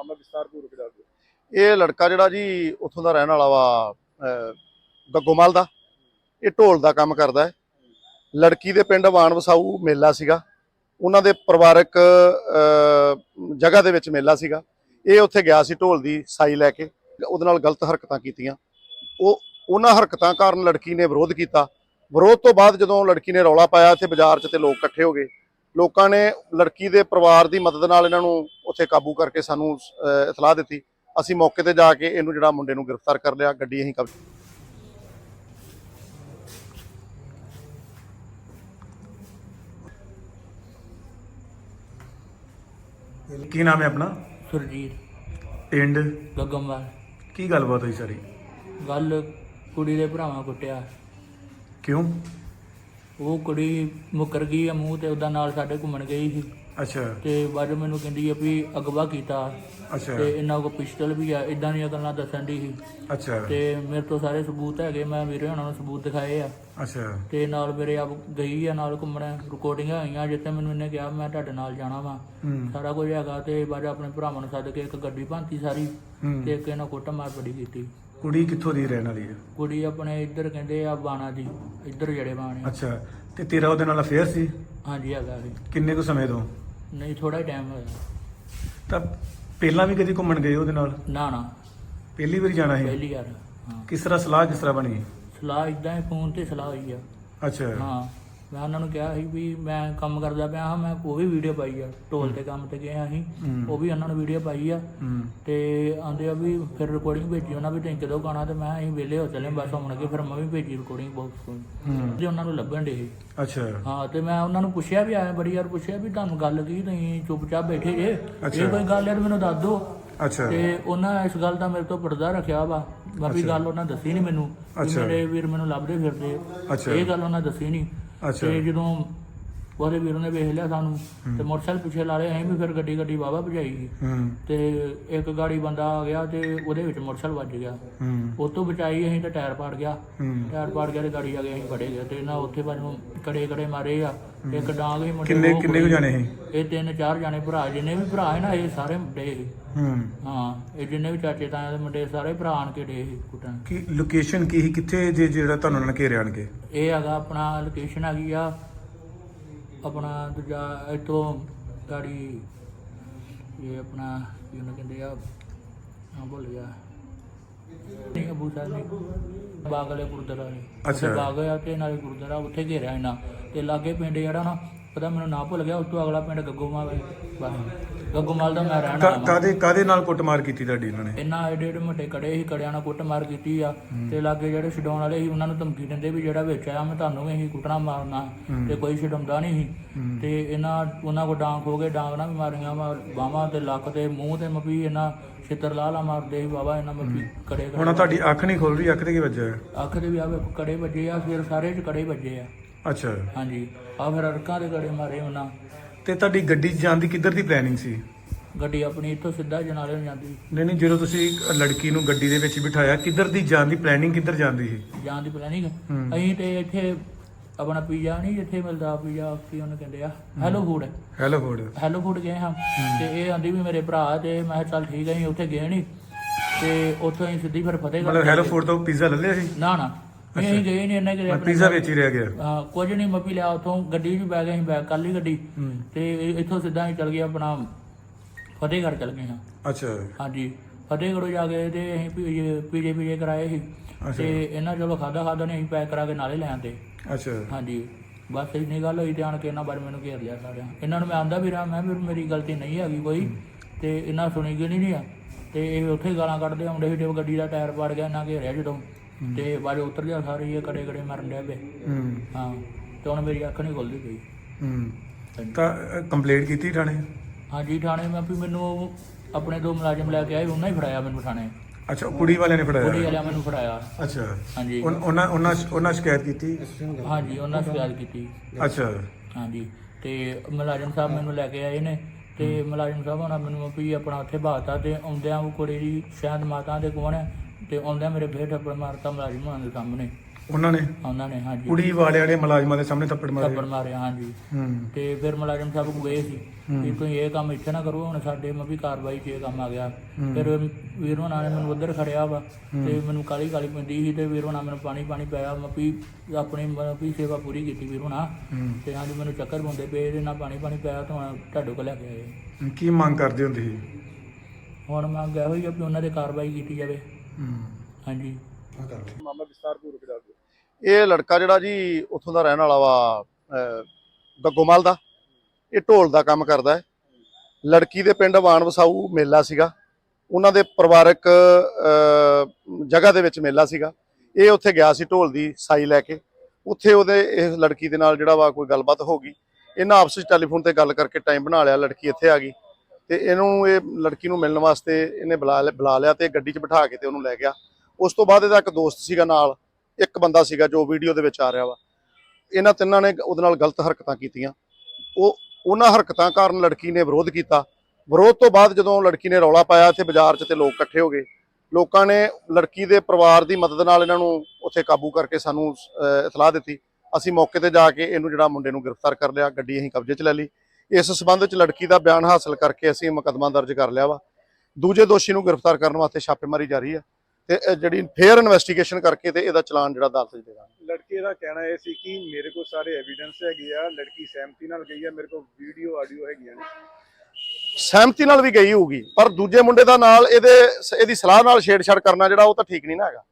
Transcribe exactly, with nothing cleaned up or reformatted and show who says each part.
Speaker 1: ਮਾਮਲਾ ਵਿਸਤਾਰਪੂਰਵਕ ਦੱਸ ਦਿਓ।
Speaker 2: ਇਹ ਲੜਕਾ ਜਿਹੜਾ ਜੀ ਉੱਥੋਂ ਦਾ ਰਹਿਣ ਵਾਲਾ ਵਾ ਗੱਗੋਮਲ ਦਾ, ਇਹ ਢੋਲ ਦਾ ਕੰਮ ਕਰਦਾ ਹੈ। ਲੜਕੀ ਦੇ ਪਿੰਡ ਵਾਣ ਵਸਾਊ ਮੇਲਾ ਸੀਗਾ, ਉਹਨਾਂ ਦੇ ਪਰਿਵਾਰਕ ਜਗ੍ਹਾ ਦੇ ਵਿੱਚ ਮੇਲਾ ਸੀਗਾ। ਇਹ ਉੱਥੇ ਗਿਆ ਸੀ ਢੋਲ ਦੀ ਸਾਈ ਲੈ ਕੇ, ਉਹਦੇ ਨਾਲ ਗਲਤ ਹਰਕਤਾਂ ਕੀਤੀਆਂ। ਉਹ ਉਹਨਾਂ ਹਰਕਤਾਂ ਕਾਰਨ ਲੜਕੀ ਨੇ ਵਿਰੋਧ ਕੀਤਾ। ਵਿਰੋਧ ਤੋਂ ਬਾਅਦ ਜਦੋਂ ਲੜਕੀ ਨੇ ਰੌਲਾ ਪਾਇਆ ਇੱਥੇ ਬਾਜ਼ਾਰ 'ਚ ਤੇ ਲੋਕ ਇਕੱਠੇ ਹੋ ਗਏ। ਲੋਕਾਂ ਨੇ ਲੜਕੀ ਦੇ ਪਰਿਵਾਰ ਦੀ ਮਦਦ ਨਾਲ ਇਹਨਾਂ ਨੂੰ ਉੱਥੇ ਕਾਬੂ ਕਰਕੇ ਸਾਨੂੰ ਇਤਲਾਹ ਦਿੱਤੀ। ਅਸੀਂ ਮੌਕੇ ਤੇ ਜਾ ਕੇ ਇਹਨੂੰ ਜਿਹੜਾ ਮੁੰਡੇ ਨੂੰ ਗ੍ਰਿਫਤਾਰ ਕਰ ਲਿਆ। ਗੱਡੀ ਅਸੀਂ ਕਬਜ਼ੇ
Speaker 1: ਕੀ ਨਾਮ ਹੈ ਆਪਣਾ?
Speaker 3: ਸੁਰਜੀਤ
Speaker 1: ਪਿੰਡ
Speaker 3: ਗੱਗੋਮਲ।
Speaker 1: ਕੀ ਗੱਲਬਾਤ ਹੋਈ ਸਾਰੀ?
Speaker 3: ਗੱਲ ਕੁੜੀ ਦੇ ਭਰਾਵਾਂ ਕੁੱਟਿਆ।
Speaker 1: ਕਿਉਂ?
Speaker 3: ਉਹ ਕੁੜੀ ਮੁੱਕਰ ਗਈ ਆ ਮੂੰਹ ਤੇ ਉਹਦਾ ਨਾਲ ਸਾਡੇ ਘੁੰਮਣ ਗਈ ਸੀ
Speaker 1: ਅੱਛਾ
Speaker 3: ਤੇ ਬਾਅਦ ਮੈਨੂੰ ਕਹਿੰਦੀ ਆ ਵੀ ਅਗਵਾ ਕੀਤਾ
Speaker 1: ਅੱਛਾ
Speaker 3: ਤੇ ਇਹਨਾਂ ਕੋਲ ਪਿਸਟਲ ਵੀ ਆ, ਇਦਾਂ ਦੀਆਂ ਗੱਲਾਂ ਦੱਸਣ ਦੀ ਸੀ।
Speaker 1: ਅੱਛਾ
Speaker 3: ਤੇ ਮੇਰੇ ਤੋਂ ਸਾਰੇ ਸਬੂਤ ਹੈਗੇ, ਮੈਂ ਵੀਰੇ ਉਹਨਾਂ ਨੂੰ ਸਬੂਤ ਦਿਖਾਏ ਆ।
Speaker 1: ਅੱਛਾ
Speaker 3: ਤੇ ਨਾਲ ਮੇਰੇ ਆਪ ਗਈ ਆ ਨਾਲ ਘੁੰਮਣ, ਰਿਕਾਰਡਿੰਗਾਂ ਹੋਈਆਂ ਜਿੱਥੇ ਮੈਨੂੰ ਇਹਨੇ ਕਿਹਾ ਮੈਂ ਤੁਹਾਡੇ ਨਾਲ ਜਾਣਾ ਵਾ, ਸਾਰਾ ਕੁਝ ਹੈਗਾ। ਤੇ ਬਾਅਦ ਆਪਣੇ ਭਰਾਵਾਂ ਨੂੰ ਸੱਦ ਕੇ ਇੱਕ ਗੱਡੀ ਭਾਂਤੀ ਸਾਰੀ ਤੇ ਇੱਕ ਇਹਨਾਂ ਕੁੱਟ ਮਾਰ ਬੜੀ ਕੀਤੀ।
Speaker 1: ਕੁੜੀ ਕਿੱਥੋਂ ਦੀ ਰਹਿਣ ਵਾਲੀ ਹੈ?
Speaker 3: ਕੁੜੀ ਆਪਣੇ ਇੱਧਰ ਕਹਿੰਦੇ ਆ ਬਾਣਾ ਦੀ, ਇੱਧਰ ਜਿਹੜੇ ਬਾਣੇ।
Speaker 1: ਅੱਛਾ, ਤੇ ਤੇਰਾ ਉਹਦੇ ਨਾਲ ਅਫੇਅਰ ਸੀ?
Speaker 3: ਹਾਂਜੀ ਹੈਗਾ ਸੀ।
Speaker 1: ਕਿੰਨੇ ਕੁ ਸਮੇਂ ਤੋਂ?
Speaker 3: ਨਹੀਂ ਥੋੜਾ ਹੀ ਟਾਈਮ ਹੋਇਆ।
Speaker 1: ਤਾਂ ਪਹਿਲਾਂ ਵੀ ਕਦੀ ਘੁੰਮਣ ਗਏ ਉਹਦੇ ਨਾਲ?
Speaker 3: ਨਾ ਨਾ
Speaker 1: ਪਹਿਲੀ ਵਾਰੀ ਜਾਣਾ ਸੀ?
Speaker 3: ਪਹਿਲੀ ਵਾਰ। ਹਾਂ
Speaker 1: ਕਿਸ ਤਰ੍ਹਾਂ ਸਲਾਹ ਕਿਸ ਤਰ੍ਹਾਂ ਬਣੀ?
Speaker 3: ਸਲਾਹ ਇਦਾਂ ਹੀ ਫੋਨ ਤੇ ਸਲਾਹ ਹੋਈ ਆ।
Speaker 1: ਅੱਛਾ
Speaker 3: ਹਾਂ ਮੈਂ ਉਹਨਾਂ ਨੂੰ ਕਿਹਾ ਸੀ ਵੀ ਮੈਂ ਕੰਮ ਕਰਦਾ ਪਿਆ ਹਾਂ, ਮੈਂ ਉਹ ਵੀ ਵੀਡੀਓ ਪਾਈ ਆ, ਢੋਲ ਤੇ ਕੰਮ ਤੇ ਗਏ ਹਾਂ ਅਸੀਂ, ਉਹ ਵੀ ਉਹਨਾਂ ਨੂੰ ਵੀਡੀਓ ਪਾਈ ਆ। ਤੇ ਆਂਦੇ ਆ ਵੀ ਫਿਰ ਰਿਕਾਰਡਿੰਗ ਭੇਜੀ ਉਹਨਾਂ ਵੀ, ਤੁਸੀਂ ਕਦੋਂ ਗਾਣਾ? ਤੇ ਮੈਂ ਅਸੀਂ ਵਿਹਲੇ ਹੋ ਚੱਲੇ ਬਸ ਆਉਣ ਕੇ, ਫਿਰ ਮੈਂ ਵੀ ਭੇਜੀ ਰਿਕਾਰਡਿੰਗ ਬਾਕਸ ਤੋਂ ਜੇ ਉਹਨਾਂ ਨੂੰ ਲੱਭਣ ਡੇ।
Speaker 1: ਅੱਛਾ
Speaker 3: ਹਾਂ ਤੇ ਮੈਂ ਉਹਨਾਂ ਨੂੰ ਪੁੱਛਿਆ ਵੀ ਆਇਆ ਬੜੀ ਵਾਰ ਪੁੱਛਿਆ ਵੀ ਤੁਹਾਨੂੰ ਗੱਲ ਕੀ, ਤੁਸੀਂ ਚੁੱਪਚਾਪ ਬੈਠੇ ਜੇ, ਜੇ ਕੋਈ ਗੱਲ ਹੈ ਮੈਨੂੰ ਦੱਸ ਦਿਓ।
Speaker 1: ਅੱਛਾ
Speaker 3: ਤੇ ਉਹਨਾਂ ਇਸ ਗੱਲ ਦਾ ਮੇਰੇ ਤੋਂ ਪਰਦਾ ਰੱਖਿਆ ਵਾ, ਬਾਕੀ ਗੱਲ ਉਹਨਾਂ ਦੱਸੀ ਨਹੀਂ ਮੈਨੂੰ। ਮੇਰੇ ਵੀਰ ਮੈਨੂੰ ਲੱਭਦੇ ਫਿਰਦੇ, ਇਹ ਗੱਲ ਉਹਨਾਂ ਦੱਸੀ ਨਹੀਂ। ਤੇ ਜਦੋਂ ਉਹਦੇ ਵੀਰ ਨੇ ਵੇਖ ਲਿਆ ਸਾਨੂੰ ਤੇ ਮੋਟਰਸਾਈਕਲ ਪਿੱਛੇ ਲਾ ਲਿਆ ਅਸੀਂ ਵੀ, ਫਿਰ ਗੱਡੀ ਗੱਡੀ ਵਾਹਵਾ ਭਜਾਈ ਗਈ ਤੇ ਇੱਕ ਗਾੜੀ ਬੰਦਾ ਆ ਗਿਆ ਤੇ ਉਹਦੇ ਵਿੱਚ ਮੋਟਰਸਾਈਕਲ ਵੱਜ ਗਿਆ। ਉਹ ਤੋਂ ਬਚਾਈ ਅਸੀਂ ਤੇ ਟਾਇਰ ਪਾੜ ਗਿਆ, ਟਾਇਰ ਪਾੜ ਗਿਆ ਤੇ ਗਾੜੀ ਆ ਗਈ, ਅਸੀਂ ਫੜੇ ਗਏ ਤੇ ਨਾ ਉੱਥੇ ਬਾਜੂ ਕੜੇ ਕੜੇ ਮਾਰੇ ਆ। ਇੱਕ ਡਾਂਗ ਵੀ ਮੁੰਡੇ
Speaker 1: ਕਿੰਨੇ ਕਿੰਨੇ ਕੁ ਜਾਣੇ ਸੀ?
Speaker 3: ਇਹ ਤਿੰਨ ਚਾਰ ਜਾਣੇ ਭਰਾ, ਜਿੰਨੇ ਵੀ ਭਰਾ ਹੈ ਨਾ ਇਹ ਸਾਰੇ ਮੁੰਡੇ ਸੀ। ਹਾਂ ਇਹ ਜਿੰਨੇ ਵੀ ਚਾਚੇ ਤਾਇਆ ਦੇ ਮੁੰਡੇ ਸਾਰੇ ਭਰਾ ਆਣ ਕੇ ਡੇ ਸੀ ਕੁੱਟਣ।
Speaker 1: ਕੀ ਲੋਕੇਸ਼ਨ ਕੀ ਸੀ, ਕਿੱਥੇ ਜੇ ਜਿਹੜਾ ਤੁਹਾਨੂੰ ਉਹਨਾਂ ਨੇ ਘੇਰਿਆ ਆਣ ਕੇ?
Speaker 3: ਇਹ ਹੈਗਾ ਆਪਣਾ ਲੋਕੇਸ਼ਨ ਹੈਗੀ ਆ ਆਪਣਾ ਦੂਜਾ ਇੱਥੋਂ ਗਾੜੀ, ਇਹ ਆਪਣਾ ਕੀ ਉਹਨੂੰ ਕਹਿੰਦੇ ਆ, ਹਾਂ ਭੁੱਲ ਗਿਆ, ਨਹੀਂ ਅਬੂ ਸਾਹਿਬ ਨਹੀਂ, ਬਾਗ ਵਾਲੇ ਗੁਰਦੁਆਰਾ ਨੇ। ਅੱਛਾ ਬਾਗ ਆ ਤੇ ਨਾਲੇ ਗੁਰਦੁਆਰਾ, ਉੱਥੇ ਘੇਰਿਆ ਇਹਨਾਂ ਤੇ ਲਾਗੇ ਪਿੰਡ ਜਿਹੜਾ ਨਾ ਪਤਾ ਮੈਨੂੰ ਨਾ ਭੁੱਲ ਗਿਆ, ਉਸ ਤੋਂ ਅਗਲਾ ਪਿੰਡ ਗੱਗੋਮਾਲ। ਬਸ ਗੱਗੋਮਾਲ ਦਾ ਮੈਂ ਰਹਿਣਾ।
Speaker 1: ਕਾਦੇ ਕਾਦੇ ਨਾਲ ਕੁੱਟਮਾਰ ਕੀਤੀ ਤੁਹਾਡੀ ਇਹਨਾਂ ਨੇ?
Speaker 3: ਇਹਨਾਂ ਏਡੇ ਏਡੇ ਮੋਟੇ ਕੜੇ ਸੀ, ਕੜਿਆਂ ਨਾਲ ਕੁੱਟਮਾਰ ਕੀਤੀ ਆ। ਤੇ ਲਾਗੇ ਜਿਹੜੇ ਛਡਾਉਣ ਵਾਲੇ ਸੀ ਉਹਨਾਂ ਨੂੰ ਧਮਕੀ ਦਿੰਦੇ ਵੀ ਜਿਹੜਾ ਵਿੱਚ ਆਇਆ ਮੈਂ ਤੁਹਾਨੂੰ ਵੀ ਅਸੀਂ ਕੁੱਟਣਾ ਮਾਰਨਾ, ਤੇ ਕੋਈ ਛਡਾਉਂਦਾ ਨਹੀਂ ਸੀ। ਤੇ ਇਹਨਾਂ ਉਹਨਾਂ ਕੋਲ ਡਾਂਗ ਹੋ ਗਏ, ਡਾਂਗ ਨਾਲ ਵੀ ਮਾਰੀਆਂ ਵਾ ਬਾਹਾਂ ਤੇ ਲੱਕ ਤੇ ਮੂੰਹ ਤੇ ਮਪੀ, ਇਹਨਾਂ ਛਿੱਤਰ ਲਾ ਲਾ ਮਾਰਦੇ ਸੀ ਬਾਬਾ ਇਹਨਾਂ ਮਪੀ ਕੜੇ।
Speaker 1: ਹੁਣ ਤੁਹਾਡੀ ਅੱਖ ਨਹੀਂ ਖੁੱਲ ਰਹੀ, ਅੱਖ ਤੇ ਕੀ ਵੱਜਿਆ?
Speaker 3: ਅੱਖ ਦੇ ਵੀ ਆ ਕੜੇ ਵੱਜੇ ਆ, ਫਿਰ ਸਾਰੇ ਚ ਕੜੇ ਵੱਜੇ ਆ।
Speaker 1: ਅੱਛਾ
Speaker 3: ਹਾਂਜੀ ਆ ਫਿਰ ਅਰਕਾਂ ਦੇ ਕੜੇ ਮਾਰੇ ਉਹਨਾਂ।
Speaker 1: ਤੇ ਤੁਹਾਡੀ ਗੱਡੀ ਜਾਣ ਦੀ ਕਿੱਧਰ ਦੀ ਪਲੈਨਿੰਗ ਸੀ?
Speaker 3: ਗੱਡੀ ਆਪਣੀ ਇੱਥੋਂ ਸਿੱਧਾ ਜਨਾਲੇ ਨੂੰ ਜਾਂਦੀ।
Speaker 1: ਨਹੀਂ ਨਹੀਂ ਜਦੋਂ ਤੁਸੀਂ ਲੜਕੀ ਨੂੰ ਗੱਡੀ ਦੇ ਵਿੱਚ ਬਿਠਾਇਆ, ਕਿੱਧਰ ਦੀ ਜਾਣ ਦੀ ਪਲੈਨਿੰਗ, ਕਿੱਧਰ ਜਾਂਦੀ ਸੀ
Speaker 3: ਜਾਣ ਦੀ ਪਲੈਨਿੰਗ? ਅਸੀਂ ਤੇ ਇੱਥੇ ਆਪਣਾ ਪੀਜ਼ਾ ਨਹੀਂ ਜਿੱਥੇ ਮਿਲਦਾ ਪੀਜ਼ਾ, ਕੀ ਉਹਨੂੰ ਕਹਿੰਦੇ ਆ, hello food.
Speaker 1: Hello food hello
Speaker 3: food ਗਏ ਹਾਂ ਤੇ ਇਹ ਆਂਦੀ ਵੀ ਮੇਰੇ ਭਰਾ, ਤੇ ਮੈਂ ਚੱਲ ਠੀਕ ਹੈ ਅਸੀਂ ਉੱਥੇ ਗਏ ਨਹੀਂ। ਤੇ ਉੱਥੋਂ ਅਸੀਂ ਸਿੱਧੀ ਫਿਰ ਫਤਿਹਗੜ੍ਹ।
Speaker 1: ਮਤਲਬ ਹੈਲੋ ਫੂਡ ਤੋਂ ਪੀਜ਼ਾ ਲੈ ਲਿਆ ਸੀ?
Speaker 3: ਨਾ ਨਾ ਅਸੀਂ ਗਏ ਨਹੀਂ, ਇਹਨਾਂ ਕਿ
Speaker 1: ਪੀਜ਼ਾ ਵਿੱਚ ਹੀ ਰਹਿ ਗਿਆ।
Speaker 3: ਹਾਂ ਕੁਝ ਨਹੀਂ ਮੱਪੀ ਲਿਆ ਉੱਥੋਂ, ਗੱਡੀ 'ਚ ਬੈ ਗਏ ਅਸੀਂ, ਬੈਗ ਕਰ ਲਈ ਗੱਡੀ ਤੇ ਇੱਥੋਂ ਸਿੱਧਾ ਅਸੀਂ ਚੱਲ ਗਏ ਆਪਣਾ ਫਤਿਹਗੜ੍ਹ ਚੱਲ ਗਏ ਹਾਂ।
Speaker 1: ਅੱਛਾ ਹਾਂਜੀ
Speaker 3: ਫਤਿਹਗੜ੍ਹ ਜਾ ਕੇ ਤੇ ਅਸੀਂ ਪੀਜੇ ਪੀਜੇ ਪੀਜੇ ਕਰਾਏ ਸੀ ਤੇ ਇਹਨਾਂ ਚਲੋ ਖਾਦਾ ਖਾਦਾ ਨੇ ਅਸੀਂ ਪੈਕ ਕਰਾ ਕੇ ਨਾਲੇ ਲੈ ਆਂਦੇ।
Speaker 1: ਅੱਛਾ ਹਾਂਜੀ
Speaker 3: ਬਸ ਇੰਨੀ ਗੱਲ ਹੋਈ ਤੇ ਆਣ ਕੇ ਇਹਨਾਂ ਬਾਰੇ ਮੈਨੂੰ ਘੇਰ ਲਿਆ ਸਾਰਿਆਂ। ਇਹਨਾਂ ਨੂੰ ਮੈਂ ਆਂਦਾ ਵੀ ਰਿਹਾ, ਮੈਂ ਵੀ ਮੇਰੀ ਗਲਤੀ ਨਹੀਂ ਹੈਗੀ ਕੋਈ, ਤੇ ਇਹਨਾਂ ਸੁਣੀ ਗਈ ਨਹੀਂ ਆ। ਤੇ ਇਹ ਉੱਥੇ ਗਾਲਾਂ ਕੱਢਦੇ ਆਉਂਦੇ ਸੀ ਜਦੋਂ ਗੱਡੀ ਦਾ ਟਾਇਰ ਪਾੜ ਗਿਆ, ਇਹਨਾਂ ਘੇਰਿਆ ਜਦੋਂ ਤੇ ਬਾਅਦ ਉਤਰ ਗਿਆ ਸਾਰੇ, ਇਹ ਕੜੇ ਕੜੇ ਮਰਨ ਡਿਆ ਪਏ। ਹਾਂ ਤੇ ਹੁਣ ਮੇਰੀ ਅੱਖ ਨਹੀਂ ਖੁੱਲਦੀ ਪਈ।
Speaker 1: ਤਾਂ ਕੰਪਲੇਂਟ ਕੀਤੀ ਥਾਣੇ? ਹਾਂਜੀ
Speaker 3: ਥਾਣੇ ਮੈਂ ਵੀ ਮੈਨੂੰ ਆਪਣੇ ਦੋ ਮੁਲਾਜ਼ਮ ਲੈ ਕੇ ਆਏ, ਉਹਨਾਂ ਹੀ ਫੜਾਇਆ ਮੈਨੂੰ ਥਾਣੇ।
Speaker 1: ਅੱਛਾ ਕੁੜੀ ਵਾਲਿਆਂ ਨੇ ਫੜਾਇਆ?
Speaker 3: ਕੁੜੀ ਵਾਲਿਆਂ ਮੈਨੂੰ ਫੜਾਇਆ।
Speaker 1: ਅੱਛਾ
Speaker 3: ਹਾਂਜੀ
Speaker 1: ਉਹਨਾਂ ਉਹਨਾਂ ਉਹਨਾਂ ਸ਼ਿਕਾਇਤ ਕੀਤੀ?
Speaker 3: ਹਾਂਜੀ ਉਹਨਾਂ ਸ਼ਿਕਾਇਤ ਕੀਤੀ।
Speaker 1: ਅੱਛਾ ਹਾਂਜੀ
Speaker 3: ਤੇ ਮੁਲਾਜ਼ਮ ਸਾਹਿਬ ਮੈਨੂੰ ਲੈ ਕੇ ਆਏ ਨੇ ਤੇ ਮੁਲਾਜ਼ਮ ਸਾਹਿਬ ਉਹਨਾਂ ਮੈਨੂੰ ਵੀ ਆਪਣਾ ਉੱਥੇ ਬਾਤਾ ਤੇ ਆਉਂਦਿਆਂ ਉਹ ਕੁੜੀ ਦੀ ਸ਼ਾਇਦ ਮਾਤਾ ਦੇ ਕੋਲ ਹੈ ਤੇ ਆਉਂਦਿਆਂ ਮੇਰੇ ਫੇਰ ਠੱਪੜ ਮਾਰਤਾ ਮੁਲਾਜ਼ਮ ਹੋਣਾ ਦੇ ਸਾਹਮਣੇ।
Speaker 1: ਉਹਨਾਂ ਨੇ
Speaker 3: ਉਹਨਾਂ ਨੇ ਹਾਂਜੀ
Speaker 1: ਕੁੜੀ ਵਾਲਿਆਂ ਨੇ ਮੁਲਾਜ਼ਮਾਂ ਦੇ ਸਾਹਮਣੇ ਥੱਪੜ ਮਾਰੇ।
Speaker 3: ਥੱਪੜ ਮਾਰਿਆ ਹਾਂਜੀ।
Speaker 1: ਹੂੰ
Speaker 3: ਤੇ ਫਿਰ ਮੁਲਾਜ਼ਮ ਸਾਹਿਬ ਗਏ ਸੀ ਵੀ ਤੁਸੀਂ ਇਹ ਕੰਮ ਇੱਥੇ ਨਾ ਕਰੋ, ਹੁਣ ਸਾਡੇ ਮੈਂ ਵੀ ਕਾਰਵਾਈ 'ਚ ਇਹ ਕੰਮ ਆ ਗਿਆ। ਫਿਰ ਵੀਰ ਹੋਣਾ ਨੇ ਮੈਨੂੰ ਉੱਧਰ ਖੜਿਆ ਵਾ ਤੇ ਮੈਨੂੰ ਕਾਲੀ ਕਾਲੀ ਪੈਂਦੀ ਸੀ ਤੇ ਵੀਰ ਹੋਣਾ ਮੈਨੂੰ ਪਾਣੀ ਪਾਣੀ ਪਿਆ, ਮੈਂ ਵੀ ਆਪਣੀ ਮਤਲਬ ਵੀ ਸੇਵਾ ਪੂਰੀ ਕੀਤੀ ਵੀਰ ਹੋਣਾ। ਤੇ ਹਾਂਜੀ ਮੈਨੂੰ ਚੱਕਰ ਪਾਉਂਦੇ ਪਏ, ਇਹਦੇ ਨਾਲ ਪਾਣੀ ਪਾਣੀ ਪਿਆ ਤਾਂ ਹੁਣ ਤੁਹਾਡੇ ਕੋਲ ਲੈ ਕੇ ਆਏ।
Speaker 1: ਕੀ ਮੰਗ ਕਰਦੇ ਹੁੰਦੇ ਸੀ?
Speaker 3: ਹੁਣ ਮੰਗ ਇਹੋ ਹੀ ਆ ਵੀ ਉਹਨਾਂ 'ਤੇ ਕਾਰਵਾਈ ਕੀਤੀ ਜਾਵੇ। ਹਾਂਜੀ
Speaker 2: ਮਾਮਲਾ ਵਿਸਤਾਰਪੂਰਵਕ ਦੱਸ ਦਿਓ। ਇਹ ਲੜਕਾ ਜਿਹੜਾ ਜੀ ਉੱਥੋਂ ਦਾ ਰਹਿਣ ਵਾਲਾ ਵਾ ਅਹ, ਗੱਗੋਮਲ ਦਾ, ਇਹ ਢੋਲ ਦਾ ਕੰਮ ਕਰਦਾ ਹੈ। ਲੜਕੀ ਦੇ ਪਿੰਡ ਵਾਣ ਵਸਾਊ ਮੇਲਾ ਸੀਗਾ, ਉਹਨਾਂ ਦੇ ਪਰਿਵਾਰਕ ਅਹ, ਜਗ੍ਹਾ ਦੇ ਵਿੱਚ ਮੇਲਾ ਸੀਗਾ। ਇਹ ਉੱਥੇ ਗਿਆ ਸੀ ਢੋਲ ਦੀ ਸਾਈ ਲੈ ਕੇ। ਉੱਥੇ ਉਹਦੇ ਇਸ ਲੜਕੀ ਦੇ ਨਾਲ ਜਿਹੜਾ ਵਾ ਕੋਈ ਗੱਲਬਾਤ ਹੋ ਗਈ। ਇਹਨਾਂ ਆਪਸ ਵਿੱਚ ਟੈਲੀਫੋਨ ਤੇ ਗੱਲ ਕਰਕੇ ਟਾਈਮ ਬਣਾ ਲਿਆ। ਲੜਕੀ ਇੱਥੇ ਆ ਗਈ ਤੇ ਇਹਨੂੰ ਇਹ ਲੜਕੀ ਨੂੰ ਮਿਲਣ ਵਾਸਤੇ ਇਹਨੇ ਬੁਲਾ ਬੁਲਾ ਲਿਆ ਤੇ ਗੱਡੀ 'ਚ ਬਿਠਾ ਕੇ ਤੇ ਉਹਨੂੰ ਲੈ ਗਿਆ। ਉਸ ਤੋਂ ਬਾਅਦ ਇਹਦਾ ਇੱਕ ਦੋਸਤ ਸੀਗਾ ਨਾਲ, ਇੱਕ ਬੰਦਾ ਸੀਗਾ ਜੋ ਵੀਡੀਓ ਦੇ ਵਿੱਚ ਆ ਰਿਹਾ ਵਾ। ਇਹਨਾਂ ਤਿੰਨਾਂ ਨੇ ਉਹਦੇ ਨਾਲ ਗਲਤ ਹਰਕਤਾਂ ਕੀਤੀਆਂ। ਉਹ ਉਹਨਾਂ ਹਰਕਤਾਂ ਕਾਰਨ ਲੜਕੀ ਨੇ ਵਿਰੋਧ ਕੀਤਾ। ਵਿਰੋਧ ਤੋਂ ਬਾਅਦ ਜਦੋਂ ਲੜਕੀ ਨੇ ਰੌਲਾ ਪਾਇਆ ਇੱਥੇ ਬਾਜ਼ਾਰ 'ਚ ਤੇ ਲੋਕ ਇਕੱਠੇ ਹੋ ਗਏ। ਲੋਕਾਂ ਨੇ ਲੜਕੀ ਦੇ ਪਰਿਵਾਰ ਦੀ ਮਦਦ ਨਾਲ ਇਹਨਾਂ ਨੂੰ ਉੱਥੇ ਕਾਬੂ ਕਰਕੇ ਸਾਨੂੰ ਇਤਲਾਹ ਦਿੱਤੀ। ਅਸੀਂ ਮੌਕੇ ਤੇ ਜਾ ਕੇ ਇਹਨੂੰ ਜਿਹੜਾ ਮੁੰਡੇ ਨੂੰ ਗ੍ਰਿਫਤਾਰ ਕਰ ਲਿਆ, ਗੱਡੀ ਅਸੀਂ ਕਬਜ਼ੇ 'ਚ ਲੈ ਲਈ। ਇਸ ਸਬੰਧ ਵਿੱਚ ਲੜਕੀ ਦਾ ਬਿਆਨ ਹਾਸਲ ਕਰਕੇ ਅਸੀਂ ਮੁਕੱਦਮਾ ਦਰਜ ਕਰ ਲਿਆ ਵਾ। ਦੂਜੇ ਦੋਸ਼ੀ ਨੂੰ ਗ੍ਰਿਫਤਾਰ ਕਰਨ ਵਾਸਤੇ ਛਾਪੇਮਾਰੀ ਜਾਰੀ ਹੈ ਤੇ ਜਿਹੜੀ ਫੇਅਰ ਇਨਵੈਸਟੀਗੇਸ਼ਨ ਕਰਕੇ ਤੇ ਇਹਦਾ ਚਲਾਨ ਜਿਹੜਾ ਅਦਾਲਤ 'ਚ ਦੇਣਾ।
Speaker 4: ਲੜਕੇ ਦਾ ਕਹਿਣਾ ਇਹ ਸੀ ਕਿ ਮੇਰੇ ਕੋਲ ਸਾਰੇ ਐਵੀਡੈਂਸ ਹੈਗੇ ਆ, ਲੜਕੀ ਸਹਿਮਤੀ ਨਾਲ ਗਈ ਆ, ਮੇਰੇ ਕੋਲ ਵੀਡੀਓ ਆਡੀਓ ਹੈਗੀਆਂ ਨੇ।
Speaker 2: ਸਹਿਮਤੀ ਨਾਲ ਵੀ ਗਈ ਹੋਊਗੀ, ਪਰ ਦੂਜੇ ਮੁੰਡੇ ਦਾ ਨਾਲ ਇਹਦੇ ਇਹਦੀ ਸਲਾਹ ਨਾਲ ਛੇੜਛਾੜ ਕਰਨਾ ਜਿਹੜਾ ਉਹ ਤਾਂ ਠੀਕ ਨਹੀਂ ਨਾ ਹੈਗਾ।